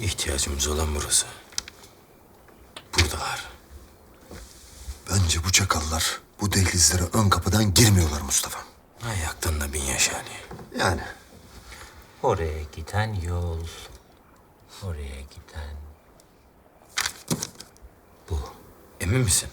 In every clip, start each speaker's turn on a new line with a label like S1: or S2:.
S1: İhtiyacımız olan burası. Buradalar.
S2: Bence bu çakallar bu dehlizlere ön kapıdan girmiyorlar Mustafa.
S1: Ayaktan da bin yaş Ali.
S2: Yani.
S3: Oraya giden yol. Oraya giden... Bu.
S1: Emin misin?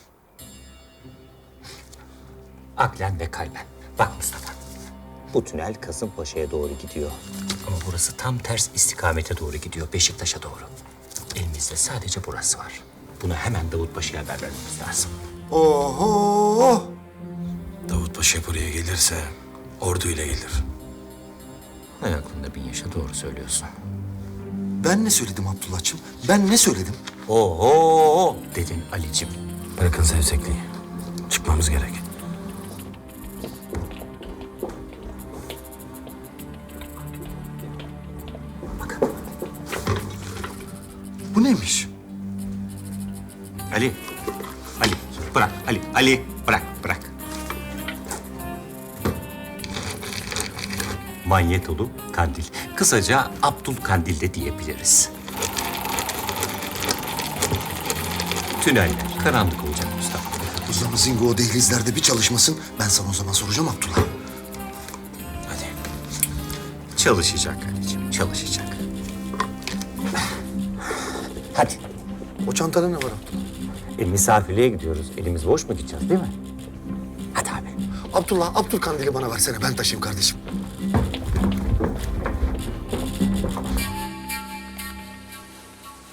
S3: Aklen ve kalben. Bak Mustafa. Bu tünel Kasımpaşa'ya doğru gidiyor. Ama burası tam ters istikamete doğru gidiyor. Beşiktaş'a doğru. Elimizde sadece burası var. Bunu hemen Davutpaşa'ya haber vermemiz lazım.
S2: Oho!
S1: Davut Paşa buraya gelirse orduyla gelir.
S3: Aklında bin yaşa doğru söylüyorsun.
S2: Ben ne söyledim Abdullah'cığım? Ben ne söyledim?
S3: Oho dedin Ali'cim.
S1: Bırakın sevsekliği. Çıkmamız gerek.
S2: Bu neymiş?
S3: Ali. Ali. Bırak. Ali. Ali. Bırak. Bırak. Manyetolu kandil. Kısaca Abdul Kandil de diyebiliriz. Tüneller karanlık olacak Mustafa.
S2: O zaman Zingo o dehlizlerde bir çalışmasın. Ben sana o zaman soracağım Abdullah.
S1: Hadi.
S3: Çalışacak Ali'cim. Çalışacak. Hadi.
S2: O çantada ne var Abdullah?
S3: Misafirliğe gidiyoruz. Elimiz boş mu gideceğiz değil mi? Hadi abi.
S2: Abdullah, Abdülkandil'i bana versene. Ben taşıyayım kardeşim.